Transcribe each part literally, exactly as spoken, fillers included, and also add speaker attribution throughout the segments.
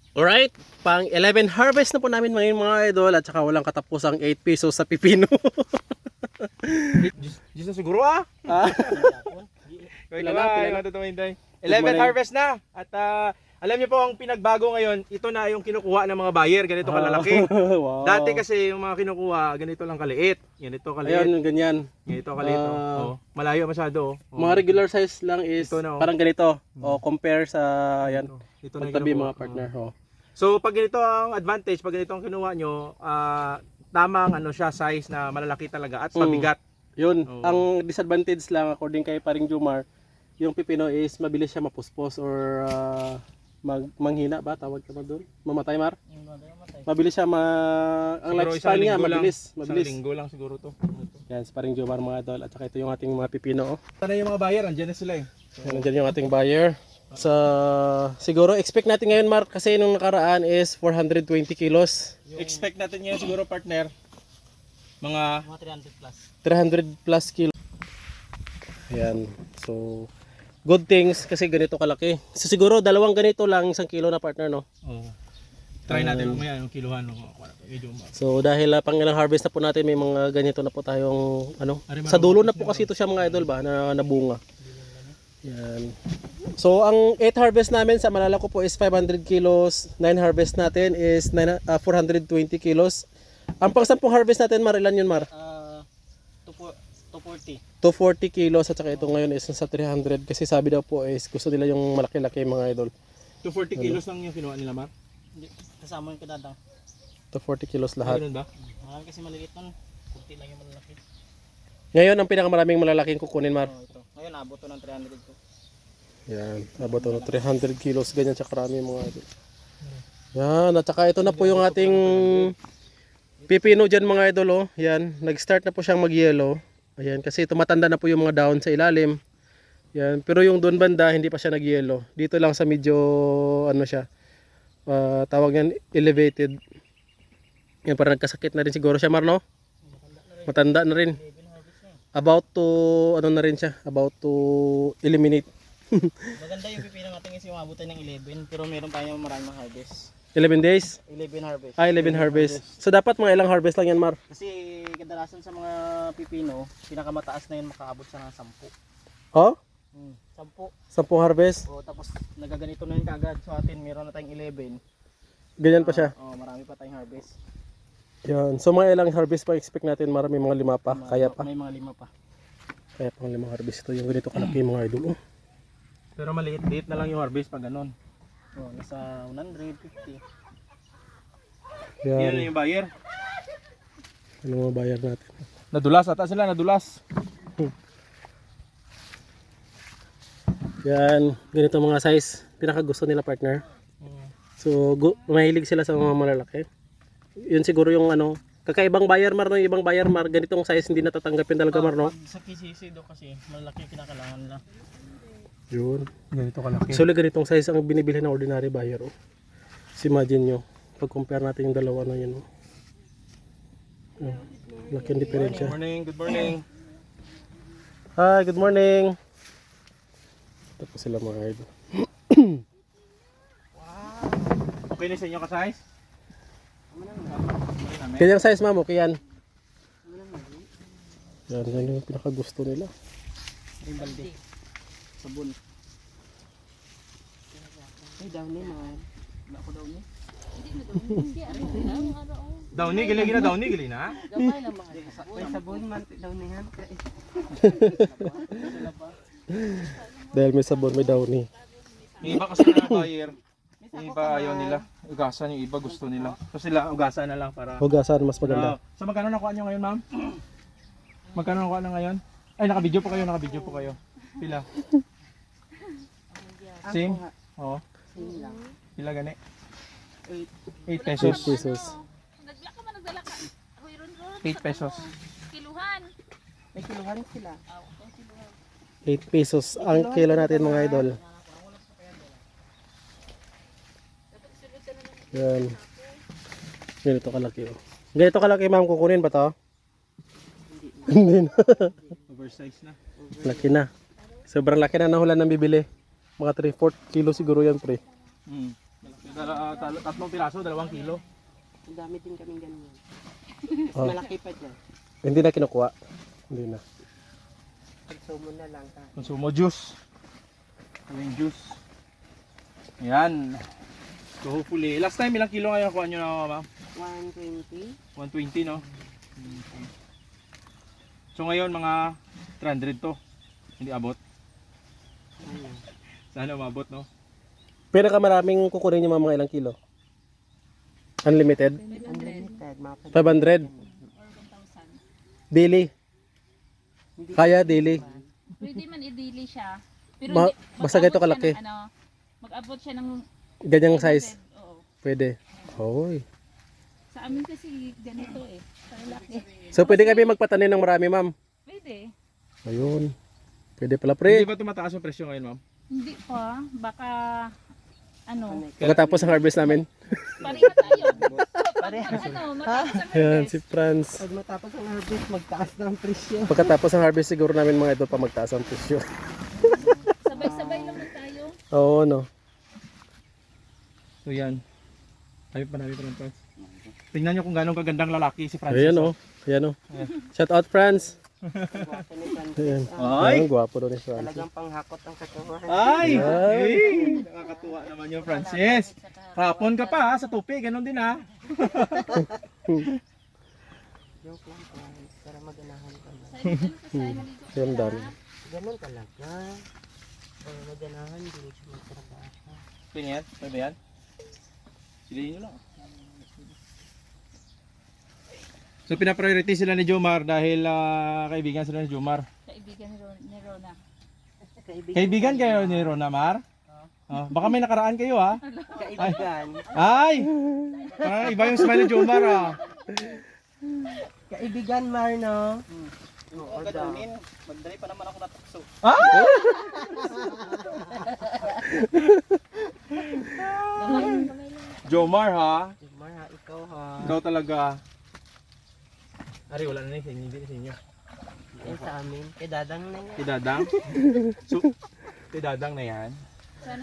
Speaker 1: Alright, pang eleven harvest na po namin ngayon mga idol at saka walang katapusang eight pesos sa pipino.
Speaker 2: Diyos na siguro ah.
Speaker 1: Ah.
Speaker 2: Kaya
Speaker 1: Pila na,
Speaker 2: naman,
Speaker 1: pila na.
Speaker 2: yung matutumintay. eleven
Speaker 1: morning.
Speaker 2: harvest na. At ah, alam niyo po ang pinagbago ngayon, ito na yung kinukuha ng mga buyer, ganito kalalaki.
Speaker 1: Wow.
Speaker 2: Dati kasi yung mga kinukuha, ganito lang kaliit. Ganito kaliit.
Speaker 1: Ayun, ganyan.
Speaker 2: Ganito kaliit.
Speaker 1: Ah.
Speaker 2: oh. Oh, malayo masyado. Oh.
Speaker 1: Mga regular size lang is
Speaker 2: Ito na, oh.
Speaker 1: parang ganito. O compare sa yan.
Speaker 2: Ito, ito na yung
Speaker 1: Pagtabi
Speaker 2: kinukuha.
Speaker 1: mga partner. Oh.
Speaker 2: So pag ganito ang advantage, pag ganito ang kinuha nyo, ah, tamang ano siya, size na malalaki talaga at
Speaker 1: Mm.
Speaker 2: mabigat.
Speaker 1: Yun,
Speaker 2: Oo.
Speaker 1: ang disadvantage lang according kay Paring Jumar, yung pipino is mabilis siya mapuspos or ah, mag manghina ba tawag ka ba doon? Mamatay Mar? Mabilis siya ma ang
Speaker 2: Siguro
Speaker 1: lifespan
Speaker 2: isang
Speaker 1: niya
Speaker 2: linggo
Speaker 1: mabilis,
Speaker 2: lang.
Speaker 1: mabilis.
Speaker 2: Isang linggo lang siguro to.
Speaker 1: Yan, si Paring Jumar mga idol at saka ito yung ating mga pipino. Oh.
Speaker 2: Sana yung mga buyer, andyan na sila eh.
Speaker 1: Yan, nandiyan yung ating buyer. Sa siguro expect natin ngayon Mark kasi nung nakaraan is four hundred twenty kilos.
Speaker 2: Expect natin ngayon siguro partner, mga
Speaker 1: three hundred plus kilo. Ayan. So good things kasi ganito kalaki. So siguro dalawang ganito lang isang kilo na partner no.
Speaker 2: oh, try natin mamaya yung kiluhan. No? Medyo ma-
Speaker 1: So dahil uh, pang ilang harvest na po natin may mga ganito na po tayong ano
Speaker 2: Ari,
Speaker 1: sa dulo na po kasi ito siya mga idol ba na nabunga. Yan. So ang eight harvest namin sa Malalako po is five hundred kilos, nine harvest natin is nine, uh, four hundred twenty kilos. Ang pang sampung harvest natin Mar ilan yun Mar?
Speaker 3: Uh, two forty.
Speaker 1: two forty kilos at saka ito ngayon is nasa three hundred kasi sabi daw po is gusto nila yung malaki-laki mga idol.
Speaker 2: two forty kilos lang yung kinuha nila, Mar?
Speaker 3: Hindi, kasama yung kadadang.
Speaker 1: two forty kilos lahat.
Speaker 2: Ganun ba?
Speaker 3: Marami kasi maliliit nun. Kunti lang yung malalaki.
Speaker 1: Ngayon ang pinakamaraming malalaking kukunin Mar.
Speaker 3: Oh, ito. Ngayon abot to ng three hundred ko.
Speaker 1: Yan, abot to ng three hundred kilos ganyan siya karami mga idol. Yan, at saka ito na po yung ating pipino dyan mga idol oh. Yan, nag-start na po siyang mag-yellow. Ayan, kasi tumatanda na po yung mga dahon sa ilalim. Yan, pero yung doon banda hindi pa siya nag-yellow. Dito lang sa medyo ano siya. Uh, tawag yan elevated. Yan, parang nagkasakit na rin siguro siya Mar no? Matanda na rin. About to ano na rin siya, about to eliminate.
Speaker 3: Maganda yung pipino natin is yung abutan ng eleven pero meron pa yung maraming harvest.
Speaker 1: eleven days?
Speaker 3: eleven harvest.
Speaker 1: Ah, eleven harvest. So dapat mga ilang harvest lang yan Mar?
Speaker 3: Kasi kadalasan sa mga pipino, pinakamataas na yun makaabot sa ng sampu.
Speaker 1: Oh?
Speaker 3: Hmm, sampu.
Speaker 1: Sampung harvest?
Speaker 3: O tapos nagaganito na yun kagad. So atin meron na tayong eleven.
Speaker 1: Ganyan pa siya.
Speaker 3: Oh, marami pa tayong harvest.
Speaker 1: Yan. So mga ilang harvest pa expect natin? Marami mga lima pa.
Speaker 3: Mga-
Speaker 1: Kaya pa.
Speaker 3: May mga lima pa.
Speaker 1: Kaya pa mga limang harvest. Ito yung ganito kalaki mga idol. Oh.
Speaker 2: Pero maliit-liit na lang yung harvest pag ganun.
Speaker 3: Oh, nasa one fifty.
Speaker 2: Yan
Speaker 1: Yan.
Speaker 2: na yung buyer.
Speaker 1: Ano mga bayar natin?
Speaker 2: Nadulas ata sila, nadulas.
Speaker 1: Yan. Ganito mga size. Pinaka gusto nila partner. So gu- mahilig sila sa mga malalaki. Yun siguro yung ano. Kakaibang bayar Mar no? Yung ibang bayar Mar. Ganitong size hindi natatanggapin talaga Mar no?
Speaker 3: Pag sa K C C do kasi malaki yung kinakailangan nila.
Speaker 1: Yun.
Speaker 2: Ganito kalaki.
Speaker 1: So ganitong size ang binibili ng ordinary buyer. Oh. So, imagine nyo. Pag compare natin yung dalawa na yun. Oh. Oh. Laki ang diferensya.
Speaker 2: Good morning, good morning.
Speaker 1: Hi, good morning. Ito po sila mga idol.
Speaker 2: Okay na sa inyo ka-size?
Speaker 1: Kanyang size ma'am, okay yan. Yan, yan yung pinaka gusto nila.
Speaker 3: Rimbalde. Sabon. Ay, downy man. Wala ko downy.
Speaker 2: Downy, gali na downy, gali na.
Speaker 3: Ay, sabon man. Downy han.
Speaker 1: Dahil may sabon, may downy.
Speaker 2: Yung iba kasi na buyer, yung iba ayaw nila. Ugasan, yung iba gusto nila. So sila, ugasan na lang para...
Speaker 1: Hugasan, mas maganda.
Speaker 2: Ah, so magkano nakuha nyo ngayon, ma'am? Magkano nakuha na ngayon? Ay, naka-video po kayo, naka-video po kayo. Pila? Same? Oo. Pila gani? eight pesos.
Speaker 1: eight pesos.
Speaker 4: Nagla ka man nagdala ka. Ako iron ron.
Speaker 2: eight pesos.
Speaker 4: Kiluhan.
Speaker 3: May kiluhan sila.
Speaker 1: eight pesos ang kilo natin mga idol. Yan. Ganito kalaki oh. Ganito kalaki ma'am, kukunin ba to? Hindi na.
Speaker 2: Oversize na.
Speaker 1: Laki na. Sobrang laki na nahulan ng bibili. Mga three fourths kilo siguro yan pre.
Speaker 2: Mm. Malaki Dala, talo- tatlong piraso, dalawang kilo.
Speaker 5: Ang dami din kaming ganyan.
Speaker 1: Oh.
Speaker 5: Malaki pa dyan.
Speaker 1: Hindi na kinukuha. Hindi na.
Speaker 5: Pagsumo na lang ka.
Speaker 2: Consumo juice. Yung juice. Yan. So hopefully, last time ilang kilo ngayon kuha nyo na ma'am?
Speaker 5: one twenty.
Speaker 2: one twenty no? So ngayon mga three hundred to. Hindi abot.
Speaker 5: Ano?
Speaker 2: Sana umabot no?
Speaker 1: Pinakamaraming kukunin niyo mga ilang kilo? Unlimited?
Speaker 5: Unlimited. Mga
Speaker 1: five hundred? Daily?
Speaker 5: Hindi
Speaker 1: Kaya daily?
Speaker 4: Pwede man i-daily siya. Pero
Speaker 1: Ma-
Speaker 4: hindi-
Speaker 1: basta
Speaker 4: mag-abot
Speaker 1: ganito
Speaker 4: siya
Speaker 1: kalaki.
Speaker 4: ng Ano, mag-abot siya ng
Speaker 1: Ganyang size?
Speaker 4: Oo.
Speaker 1: Pwede. Hoy.
Speaker 4: Sa amin kasi ganito eh. Sa laki.
Speaker 1: So pwede kami magpatanim ng marami, ma'am?
Speaker 4: Pwede.
Speaker 1: Ayun. Pwede pala,
Speaker 2: Hindi
Speaker 1: pre.
Speaker 2: ba tumataas yung presyo ngayon ma'am?
Speaker 4: Hindi pa. Baka ano.
Speaker 1: Pagkatapos ng harvest namin.
Speaker 4: Pareha tayo. Pag ano, matapos ang
Speaker 1: Ayan,
Speaker 4: harvest.
Speaker 1: si Franz.
Speaker 5: Pag matapos ang harvest, magtaas ng presyo.
Speaker 1: Pagkatapos ng harvest siguro namin mga idol pa magtaas ang presyo.
Speaker 4: Sabay-sabay naman tayo.
Speaker 1: Oo, no.
Speaker 2: So yan. Tayo pa namin pa ng Franz. Tingnan nyo kung gano'ng kagandang lalaki si Francis.
Speaker 1: Ayan, oh. Ayan, oh. Shout out, Franz.
Speaker 5: Gwapo ni Francis.
Speaker 1: Ayan.
Speaker 5: Ah,
Speaker 2: Ay!
Speaker 1: Ayan, gwapo daw ni Franz.
Speaker 5: talagang panghakot ang katawan.
Speaker 2: Ay!
Speaker 1: Ay!
Speaker 2: Ay! Nakakatuwa naman yung Francis. Hapon ka pa ha, sa tupi, ganun din ha.
Speaker 5: Joke lang Francis. Para maganahan ka na.
Speaker 1: Ayan, dami.
Speaker 5: Ganun talaga. Para maganahan, hindi siya magtrabaho.
Speaker 2: Tingnan, pwede yan? Silihin nyo lang. So pinapriority sila ni Jomar dahil ah, kaibigan sila ni Jomar.
Speaker 4: Kaibigan ni Ron- ni Rona.
Speaker 2: Kaibigan kayo ni Rona Mar? Oh, baka may nakaraan kayo ha?
Speaker 5: Kaibigan.
Speaker 2: Ay! Ah, iba yung smile ni Jomar ah.
Speaker 5: Kaibigan, Marno.
Speaker 3: Oo, ganunin. Magdali pa naman ako natukso.
Speaker 2: Jomar ha?
Speaker 5: Mar, ha, ikaw ha.
Speaker 2: Ikaw talaga. Ari, wala na sa inyo, hindi na sa inyo.
Speaker 5: Yan sa amin. Kay Dadang na yan.
Speaker 2: Kay Dadang? So, kay Dadang na yan.
Speaker 4: Sana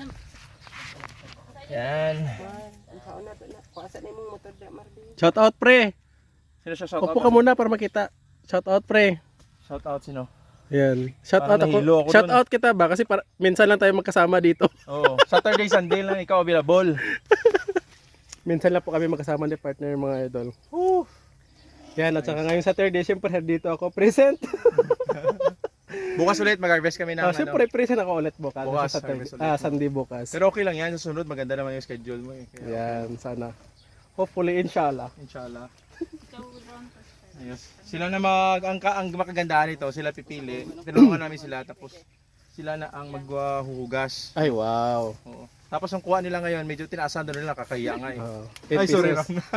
Speaker 2: Yan.
Speaker 5: Mar, ang kaon na to na. Kuasa na yung motor na, Marvin.
Speaker 1: Shout out, pre.
Speaker 2: Sino siya shout
Speaker 1: Upo
Speaker 2: out?
Speaker 1: ka muna para makita. Shout out, pre.
Speaker 2: Shout out sino?
Speaker 1: Ayan. Shout out
Speaker 2: Parang nahilo
Speaker 1: ako.
Speaker 2: ako
Speaker 1: Shout
Speaker 2: dun.
Speaker 1: out kita ba? Kasi para, minsan lang tayo magkasama dito.
Speaker 2: Oo. Saturday, Sunday lang ikaw available.
Speaker 1: Minsan lang po kami magkasama ni partner mga idol. Woo! Yan, at saka ngayong Saturday, syempre dito ako present.
Speaker 2: Bukas ulit mag-harvest kami ng
Speaker 1: Oh,
Speaker 2: ano.
Speaker 1: syempre present ako ulit bukas.
Speaker 2: Bukas,
Speaker 1: sa Saturday.
Speaker 2: harvest ulit.
Speaker 1: Ah, Sunday bukas.
Speaker 2: Pero okay lang yan. Sa sunod, maganda naman yung schedule mo eh. Kaya,
Speaker 1: Yan, sana. Hopefully, inshallah.
Speaker 2: inshallah.
Speaker 4: ikaw Ron.
Speaker 2: Ayos. Sila na mag, ang, ka- ang makagandahan nito, sila pipili. Tinulungan namin sila, tapos sila na ang maghuhugas.
Speaker 1: Ay, wow.
Speaker 2: Oo. Tapos ang kuha nila ngayon, medyo tinaasan doon nila, kakahiya nga eh.
Speaker 1: Oh,
Speaker 2: Ay,
Speaker 1: eight
Speaker 2: sorry
Speaker 1: pesos.
Speaker 2: Ram.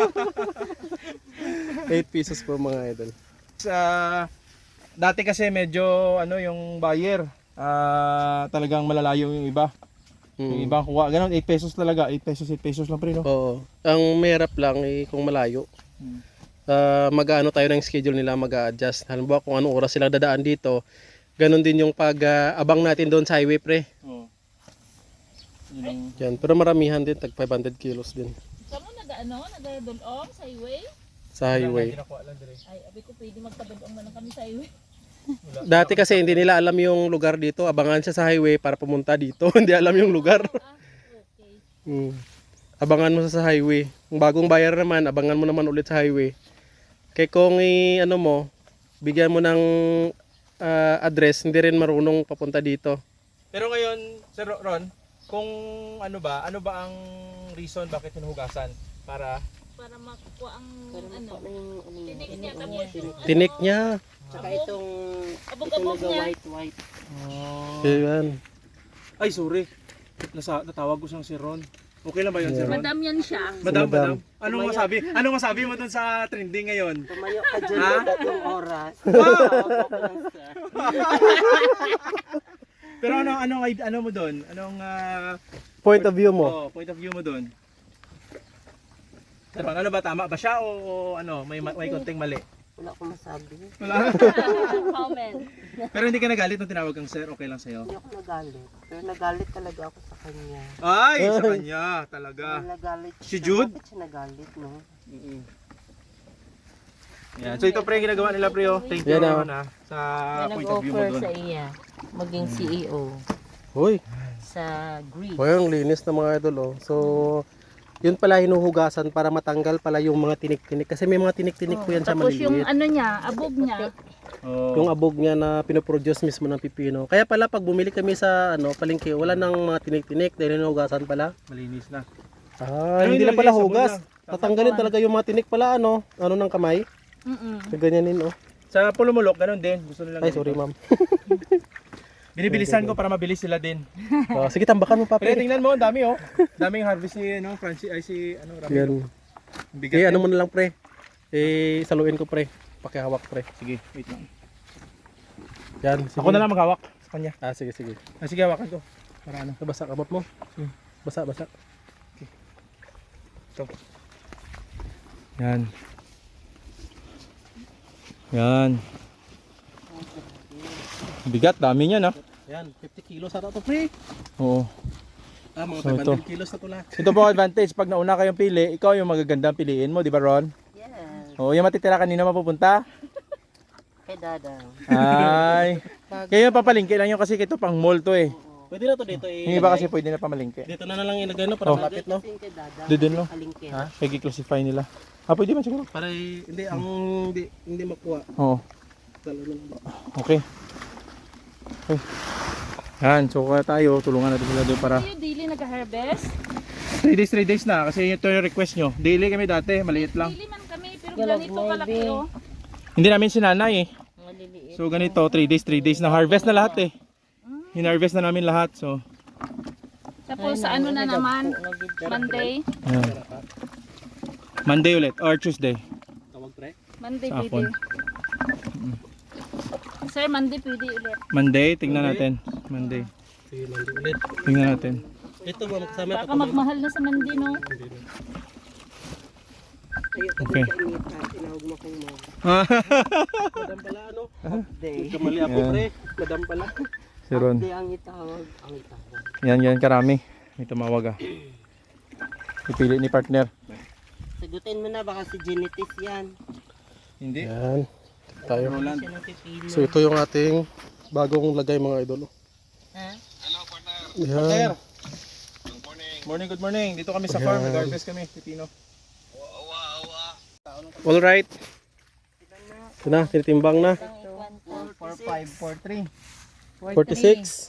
Speaker 1: eight pesos po mga idol.
Speaker 2: Sa dati kasi medyo ano yung buyer, ah, talagang malalayo yung iba. Yung
Speaker 1: Mm.
Speaker 2: ibang kuha, ganun eight pesos talaga, eight pesos, eight pesos lang pre no.
Speaker 1: Oo. Ang mahirap lang eh, kung malayo.
Speaker 2: Hmm.
Speaker 1: Ah, mag-ano tayo ng schedule nila, mag-a-adjust. Halimbawa kung anong oras sila dadaan dito, ganun din yung pag-abang natin doon sa highway, pre.
Speaker 2: Oo. Yun ang
Speaker 1: Yan. Pero maramihan din, tag five hundred kilos din
Speaker 4: Kamu nag-ano, nag-dulong sa highway?
Speaker 1: sa highway.
Speaker 2: Kinakuha lang dire.
Speaker 4: Ay, abi ko pwede magtabadong na lang kami sa highway.
Speaker 1: Dati kasi hindi nila alam yung lugar dito, abangan siya sa highway para pumunta dito. Hindi alam yung lugar.
Speaker 4: Ah, okay.
Speaker 1: Mm. Abangan mo sa sa highway. Kung bagong bayar naman, abangan mo naman ulit sa highway. Kaya kung i ano mo, bigyan mo ng ah, address, hindi rin marunong papunta dito.
Speaker 2: Pero ngayon, Sir Ron, kung ano ba, ano ba ang reason bakit hinuhugasan? Para
Speaker 4: Para makuha ang
Speaker 5: Pero
Speaker 4: ano.
Speaker 5: ano yung ano yung
Speaker 4: Tinik niya
Speaker 5: ano,
Speaker 4: tapos yung
Speaker 1: Tinik niya.
Speaker 5: Tsaka itong
Speaker 4: abog-abog
Speaker 5: itong
Speaker 4: niya.
Speaker 5: white white.
Speaker 1: Ayan.
Speaker 2: Ay, sorry. Nasa natawag ko siyang si Ron. Okay lang ba 'yon, si Ron?
Speaker 4: Madam yan siya.
Speaker 2: Madam,
Speaker 1: Madam.
Speaker 2: madam. Anong masabi? Anong masabi mo dun sa trending ngayon?
Speaker 5: Tumayo ka dyan
Speaker 2: Ha?
Speaker 5: ng tatlong oras. Tawag ako lang sa.
Speaker 2: Pero ano ano ano mo doon? Anong ah,
Speaker 1: Point of view mo.
Speaker 2: oh, point of view mo doon? Ano, ano ba tama ba siya o, o ano, may ma- may konting mali?
Speaker 5: Wala akong masabi.
Speaker 2: Wala.
Speaker 4: Comment.
Speaker 2: Pero hindi ka nagalit nung tinawag kang sir, okay lang sa'yo?
Speaker 5: Hindi ako nagalit. Pero nagalit talaga ako sa kanya.
Speaker 2: Ay, sa kanya, talaga.
Speaker 5: Pero nagalit
Speaker 2: Si
Speaker 5: siya.
Speaker 2: Jude?
Speaker 5: Bakit siya nagalit, no?
Speaker 2: Yan. So ito pre, yung ginagawa nila pre, oh. Thank you
Speaker 1: Yan,
Speaker 2: naman ha, sa
Speaker 5: May
Speaker 2: point of view mo
Speaker 5: nag-offer
Speaker 2: doon.
Speaker 5: sa iya. Maging C E O
Speaker 1: Hoy,
Speaker 5: sa Greece.
Speaker 1: hoy, ang linis na mga idol oh. So, yun pala hinuhugasan para matanggal pala yung mga tinik-tinik. Kasi may mga tinik-tinik po yan sa
Speaker 4: Tapos yung
Speaker 1: maliliit.
Speaker 4: ano niya, abog niya.
Speaker 2: Oh.
Speaker 1: Yung abog niya na pinoproduce mismo ng pipino. Kaya pala pag bumili kami sa ano palengke, wala nang mga tinik-tinik dahil hinuhugasan pala.
Speaker 2: Malinis na.
Speaker 1: Ah,
Speaker 2: Ano
Speaker 1: hindi
Speaker 2: yung
Speaker 1: na pala
Speaker 2: nilagay sa
Speaker 1: hugas.
Speaker 2: bowl
Speaker 1: Tatanggalin talaga yung mga tinik pala ano, ano ng kamay.
Speaker 4: Mm-mm.
Speaker 1: So, ganyanin oh.
Speaker 2: Sa pulumulok, ganun din. Gusto nila.
Speaker 1: Ay, sorry ma'am.
Speaker 2: Binibilisan ko para mabilis sila din.
Speaker 1: Oh, sige, tambakan mo pa.
Speaker 2: Pero
Speaker 1: Pre.
Speaker 2: tingnan mo, ang dami oh. Daming harvest ni ano, Francis ay si ano, Ramiro.
Speaker 1: Yan.
Speaker 2: Bigat.
Speaker 1: Eh, ano
Speaker 2: yan.
Speaker 1: mo na lang pre. Eh, saluin ko pre. Pakihawak pre.
Speaker 2: Sige, wait lang.
Speaker 1: Yan. Sige.
Speaker 2: Ako na lang maghawak sa kanya.
Speaker 1: Ah, sige, sige.
Speaker 2: Ah, sige, hawakan ko. Para ano.
Speaker 1: Basa kamot mo.
Speaker 2: Sige.
Speaker 1: Basa, basa.
Speaker 2: Ito. Yan. Yan. Bigat, dami niyan ah.
Speaker 1: Yan, fifty kilos ata to pre.
Speaker 2: Oo.
Speaker 1: Ah, mga
Speaker 2: So,
Speaker 1: five hundred
Speaker 2: ito.
Speaker 1: kilos na to lahat.
Speaker 2: Ito po ang advantage. Pag nauna kayong pili, ikaw yung magagandang piliin mo, di ba Ron?
Speaker 5: Yes.
Speaker 2: Oo, yung matitira kanina mapupunta.
Speaker 5: Kay Dadang.
Speaker 2: Ay. Kaya yung papalingki lang yung kasi ito pang mall to eh.
Speaker 1: Pwede na to dito eh.
Speaker 2: Yung iba kasi pwede na pamalingki.
Speaker 1: Dito na na lang ilagay no para
Speaker 2: Oh.
Speaker 1: malapit no.
Speaker 5: Kasi kay Dadang.
Speaker 2: Doon no?
Speaker 5: Kalingkin.
Speaker 1: Ha?
Speaker 2: Kaya i-classify nila. Ah, pwede man siguro.
Speaker 1: Para eh, hindi ang hindi hindi makuha.
Speaker 2: Oo.
Speaker 1: Dalo na lang.
Speaker 2: Okay. Okay. Yan, so kaya tayo, tulungan natin sila doon para
Speaker 4: Kayo daily nag-harvest?
Speaker 2: three days, three days na kasi ito yung request nyo. Daily kami dati, maliit lang.
Speaker 4: Daily man kami, pero
Speaker 5: Galag
Speaker 4: ganito
Speaker 5: mo,
Speaker 4: kalaki
Speaker 5: babe.
Speaker 4: oh.
Speaker 2: Hindi namin sinanay eh.
Speaker 5: Maliliit.
Speaker 2: So ganito, three days, three days na harvest na lahat eh. Hinarvest na namin lahat. So,
Speaker 4: Tapos sa ano na naman, Monday.
Speaker 2: yan. Monday ulit or Tuesday.
Speaker 1: Tawag pre.
Speaker 4: Monday
Speaker 2: Sa
Speaker 4: pwede. Sir, Monday pwede ulit.
Speaker 2: Monday, tignan natin. Monday.
Speaker 1: Sige, mandi ulit.
Speaker 2: Tignan natin.
Speaker 1: Ito ba kasama ito?
Speaker 4: Baka magmahal na sa Monday no.
Speaker 2: Okay.
Speaker 5: Tinawag mo kong mo.
Speaker 1: Madam pala ano?
Speaker 5: Day.
Speaker 1: Kamali ako
Speaker 2: Yan.
Speaker 1: pre. Madam pala.
Speaker 2: Si Ron.
Speaker 5: Day ang itawag. Ang itawag.
Speaker 2: Yan, yan karami. May tumawag ah. Ipili ni partner.
Speaker 5: Sagutin mo na, baka si Genetis yan.
Speaker 2: Hindi.
Speaker 1: Yan. Tayo.
Speaker 5: Siya ng pipino.
Speaker 1: So ito yung ating bagong lagay mga idol.
Speaker 5: Ha?
Speaker 1: Yan.
Speaker 2: Morning, good morning. Dito kami sa farm. Nag-harvest kami. Pipino.
Speaker 1: All right. Ito na, tinitimbang na.
Speaker 2: four five four three.
Speaker 1: forty-six.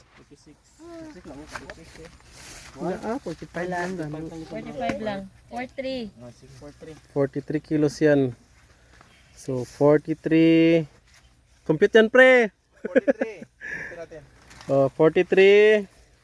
Speaker 5: Ah, forty-five lang.
Speaker 4: forty-five lang. forty-three.
Speaker 1: forty-three kilos yan. So forty-three. Compute yan pre.
Speaker 2: forty-three. Ito natin.
Speaker 1: Oh, forty-three.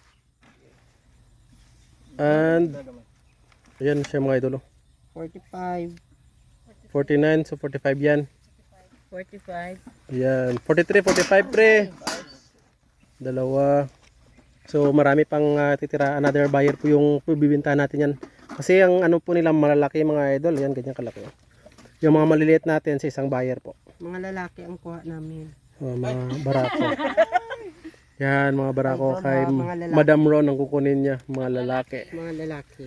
Speaker 1: And ayan siya mga idol. oh.
Speaker 5: forty-five.
Speaker 1: forty-nine, so forty-five yan.
Speaker 5: forty-five.
Speaker 1: Ayan, forty-three, forty-five pre. Dalawa. So marami pang uh, titira. Another buyer po yung bibinta natin yan. Kasi ang ano po nila malalaki mga idol. Yan, ganyan kalaki. oh. Yung mga maliliit natin sa isang buyer po.
Speaker 5: Mga lalaki ang kuha namin.
Speaker 1: Oh, mga barako. Yan, mga barako
Speaker 5: Idol,
Speaker 1: kay
Speaker 5: ha, mga lalaki.
Speaker 1: Madam Ron ang kukunin niya. Mga lalaki.
Speaker 5: Mga lalaki.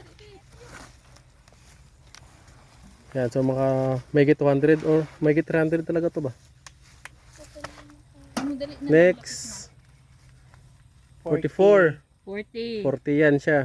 Speaker 1: Yan, so mga may two hundred or may three hundred talaga to ba?
Speaker 4: Ano dali na.
Speaker 1: Next. forty-four.
Speaker 5: forty.
Speaker 1: forty yan siya.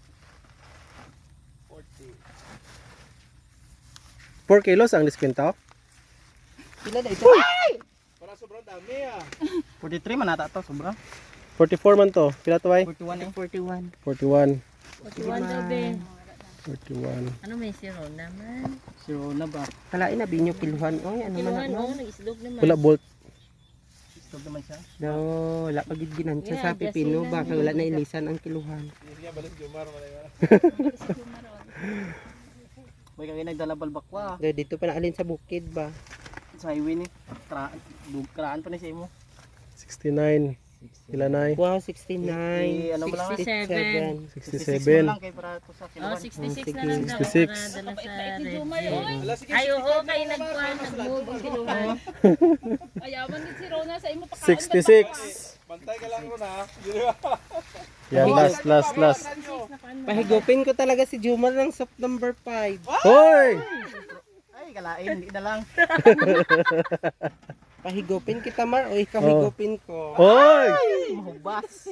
Speaker 1: four kilos ang diskwento.
Speaker 5: Pila na ito?
Speaker 2: Para sobrang dami ah.
Speaker 3: forty-three man ata to, sobra.
Speaker 1: forty-four man to. Pila to ay?
Speaker 3: forty-one eh.
Speaker 5: forty-one.
Speaker 1: forty-one.
Speaker 4: forty-one daw be.
Speaker 1: forty-one.
Speaker 5: Ano may zero naman?
Speaker 3: Zero na ba?
Speaker 5: Kalain na binyo kiluhan. Oy, ano man ano?
Speaker 4: nag-islog naman.
Speaker 1: Wala bolt.
Speaker 3: Stop naman siya.
Speaker 5: No, wala pa gid ginansya sa pipino ba kay wala na ilisan ang kiluhan.
Speaker 3: May kagay nagdala balbakwa.
Speaker 5: Dahil dito pa naalin sa bukid ba.
Speaker 3: Sa highway ni. Tra dug- Karaan pa ni sa imo.
Speaker 1: sixty-nine. Ilan ay?
Speaker 5: Wow, sixty-nine.
Speaker 3: ano mo lang,
Speaker 5: sixty-seven.
Speaker 1: sixty-seven.
Speaker 3: lang kay para to sa
Speaker 4: Oh,
Speaker 3: kiloan.
Speaker 4: sixty-six
Speaker 5: Sige.
Speaker 4: na lang daw
Speaker 1: sixty-six.
Speaker 4: para dala sa
Speaker 6: Bait-bait ni
Speaker 4: Red
Speaker 6: Jumar,
Speaker 4: Bull.
Speaker 6: oy.
Speaker 4: Ay, oo, kayo nagkuhan, nag-move ang kiluhan.
Speaker 6: Ayaman din si Rona sa imo pakaon.
Speaker 1: sixty-six.
Speaker 2: Bantay ka lang muna.
Speaker 1: Yan, last, last, last.
Speaker 5: Pahigupin ko talaga si Jumar ng September five.
Speaker 1: Hoy!
Speaker 3: Ay, kalain, hindi na lang.
Speaker 5: Pahigupin kita, Mar, o ikaw
Speaker 1: Oh.
Speaker 5: higupin ko.
Speaker 1: Hoy!
Speaker 3: Mahubas.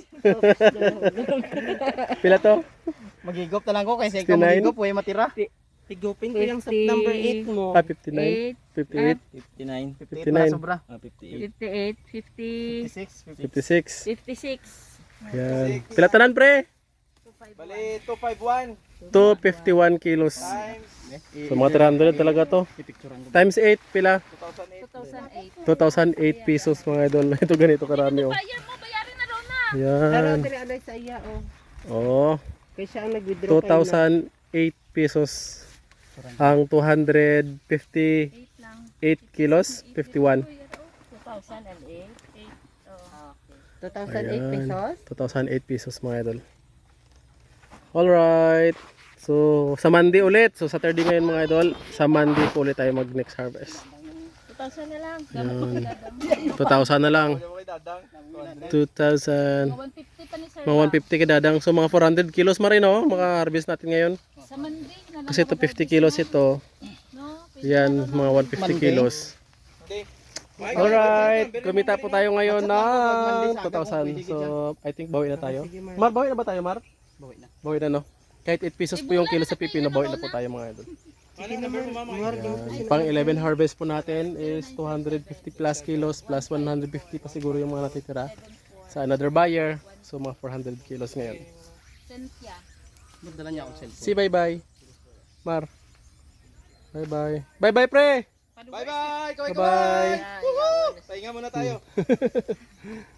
Speaker 1: Pila to?
Speaker 3: Magigop na lang ko kasi ikaw
Speaker 1: sixty-nine?
Speaker 3: magigop, huwag matira.
Speaker 5: Higupin ko yung
Speaker 4: fifty.
Speaker 5: September eight mo.
Speaker 1: Ah, fifty-nine. fifty-eight.
Speaker 2: fifty-nine.
Speaker 1: fifty-nine.
Speaker 3: Para sobra.
Speaker 2: Ah, fifty-eight.
Speaker 4: fifty-eight, fifty,
Speaker 3: fifty-six, fifty.
Speaker 1: fifty-six.
Speaker 4: fifty-six.
Speaker 1: Yan. Pila tanan, pre?
Speaker 2: Bali, two fifty-one
Speaker 1: two fifty-one kilos.
Speaker 2: times
Speaker 1: So mga three hundred talaga to. Times eight, pila?
Speaker 2: two thousand eight.
Speaker 4: two thousand eight.
Speaker 1: two thousand eight pesos mga idol. Ito ganito karami oh.
Speaker 6: Bayan mo, bayarin na Rona.
Speaker 5: Pero
Speaker 1: Yan.
Speaker 5: tiri alay sa iya, oh.
Speaker 1: Oh,
Speaker 5: Kaya siya ang nag-withdraw
Speaker 1: two
Speaker 5: kayo na.
Speaker 1: thousand eight pesos. Ang two hundred fifty-eight
Speaker 4: eight lang.
Speaker 1: kilos, fifty-one.
Speaker 4: two thousand eight. eight. Oh.
Speaker 5: two thousand eight
Speaker 1: Ayan.
Speaker 5: pesos.
Speaker 1: two thousand eight pesos mga idol. Alright. So, sa Monday ulit. So, Saturday ngayon mga idol. Sa Monday po ulit tayo mag next harvest.
Speaker 4: two thousand na lang.
Speaker 1: Yan. two thousand na lang.
Speaker 2: Ano mo kay Dadang?
Speaker 1: two thousand.
Speaker 6: one fifty pa ni Sir.
Speaker 1: Mga one fifty kadadang. So, mga four hundred kilos ma rin oh. Maka-harvest natin ngayon.
Speaker 6: Sa Monday na lang.
Speaker 1: Kasi ito fifty kilos ito.
Speaker 6: No?
Speaker 1: Yan, mga one fifty kilos.
Speaker 2: Okay.
Speaker 1: Alright. Kumita po tayo ngayon ng two thousand. So, I think bawi na tayo. Mar, bawi na ba tayo, Mar?
Speaker 3: Bawi na.
Speaker 1: Bawi na, no? Kahit eight pesos po yung kilo sa pipino, bawi na po tayo mga idol.
Speaker 2: Ano number mo, mama?
Speaker 1: Yan. Pang eleven harvest po natin is two hundred fifty plus kilos plus one hundred fifty pa siguro yung mga natitira sa another buyer. So, mga four hundred kilos ngayon.
Speaker 6: Cynthia.
Speaker 3: Magdala niya akong cellphone.
Speaker 1: See, bye-bye. Mar. Bye-bye. Bye-bye, pre!
Speaker 2: Bye-bye! Kaway,
Speaker 1: Bye-bye.
Speaker 2: kaway! Pahinga muna tayo.